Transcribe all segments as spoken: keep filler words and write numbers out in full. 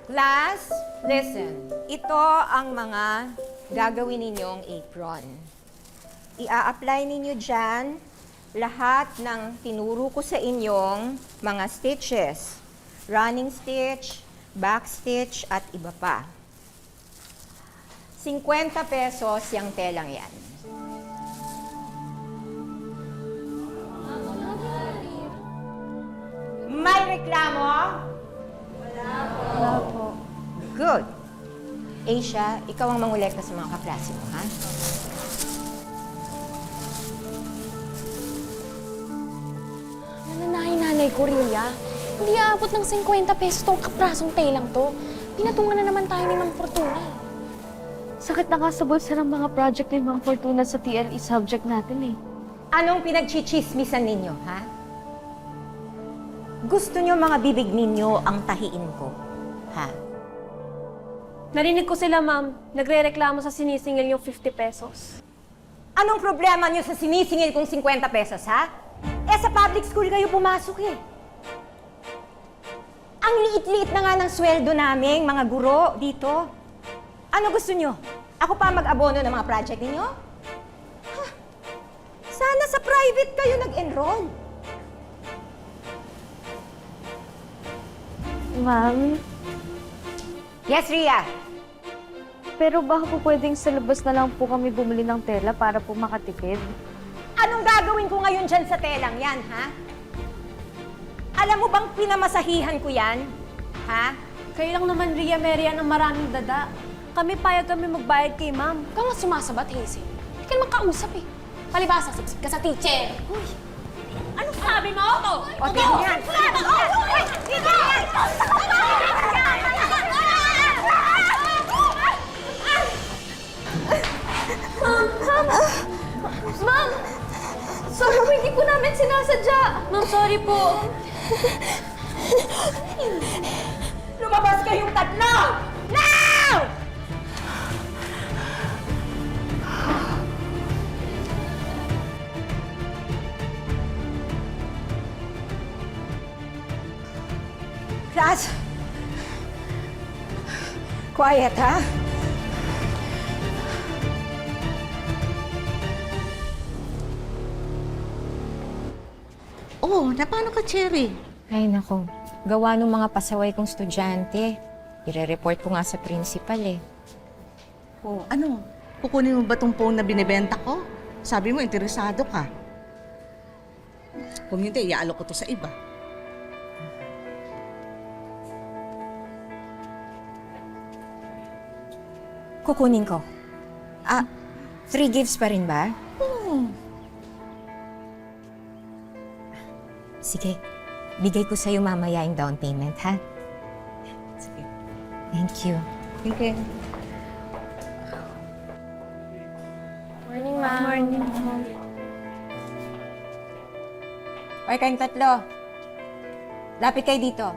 Class, listen. Ito ang mga gagawin ninyong apron. I-a-apply ninyo dyan lahat ng tinuro ko sa inyong mga stitches. Running stitch, back stitch, at iba pa. fifty pesos yung telang yan. May reklamo? Wala po. Good. Asia, ikaw ang mangolekta sa mga kaklase mo, ha? Nanay-nanay ko, Rilya. Hindi aabot ng fifty pesos tong kaprasong telang to. Pinatungan na naman tayo ni Mang Fortuna. Sakit na nga sa bulsa ng mga project ni Mang Fortuna sa T L E subject natin eh. Anong pinagchichismisan ninyo, ha? Gusto nyo mga bibig ninyo ang tahiin ko, ha? Narinig ko sila, ma'am. Nagre-reklamo sa sinisingil yung fifty pesos. Anong problema nyo sa sinisingil kong fifty pesos, ha? Eh, sa public school kayo pumasok eh. Ang liit-liit na nga ng sweldo naming mga guro dito. Ano gusto nyo? Ako pa mag-abono ng mga project ninyo? Ha? Sana sa private kayo nag-enroll. Ma'am, Yes, Ria. pero baka po pwedeng sa labas na lang po kami bumili ng tela para po makatipid. Anong gagawin ko ngayon dyan sa telang yan, ha? Alam mo bang pinamasahihan ko yan? Ha? Kayo lang naman, Ria Merian, ang maraming dada. Kami payag kami magbayad kay ma'am. Ikaw nga sumasabat, Hazel. Hindi ka naman kausap eh. Palibasa, sipsip ka sa teacher. Uy! Anong sabi mo? Ito! O, tingnan yan! Tingnan yan! Uy, tingnan yan! Ma'am! Sorry po, hindi po namin sinasadya. Ma'am, sorry po. Lumabas kayong tatlo! Now! Class! Quiet, ha? Oh, na paano ka, Cherry? Ay, nako. Gawa ng mga pasaway kong estudyante. Ire-report ko nga sa principal eh. Oh, ano? Kukunin mo ba tong phone na binibenta ko? Sabi mo, interesado ka. Kung hindi, iaalok ko to sa iba. Kukunin ko. Ah, three gifts pa rin ba? Oh, Sige, bigay ko sa'yo mamaya yung down payment, ha? sige. Thank you. Okay. Morning, ma'am. Morning. Okay, kayong tatlo. Lapit kayo dito.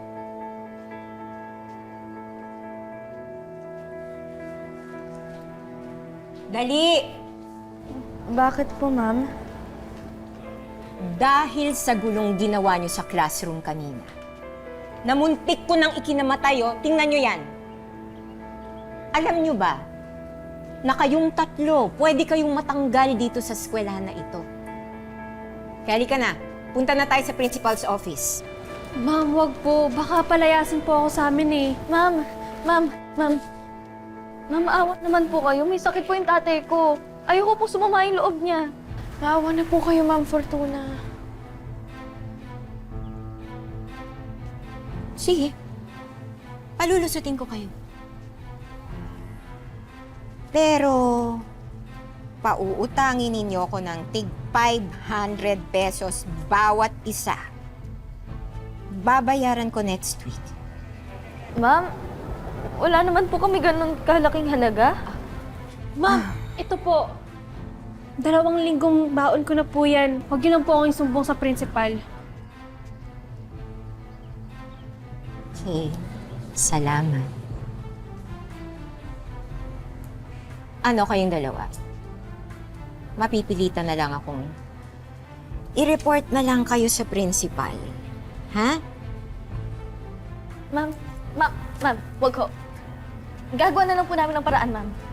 Dali! Bakit po, ma'am? Dahil sa gulong ginawa nyo sa classroom kanina. Namuntik ko nang ikinamatay, oh. Tingnan nyo yan. Alam nyo ba, na kayong tatlo, pwede kayong matanggal dito sa eskwelahan na ito. Kaya halika na, punta na tayo sa principal's office. Ma'am, wag po. Baka palayasin po ako sa amin eh. Ma'am, ma'am, ma'am. Ma'am, awat naman po kayo. May sakit po yung tatay ko. Ayoko po sumama yung loob niya. Maawa na po kayo, Ma'am Fortuna. Sige, palulusutin ko kayo. Pero, pauutangin ninyo ko ng tig five hundred pesos bawat isa. Babayaran ko next week. Ma'am, wala naman po kami ganun kalaking halaga. Ma'am, ito po. Dalawang linggong baon ko na po yan. Huwag yun lang po akong isumbong sa principal. Okay, salamat. Ano kayong dalawa? Mapipilitan na lang akong i-report na lang kayo sa principal. Ha? Ma'am, Ma'am, ma'am, wag ho. Gagawa na lang po namin ng paraan, ma'am.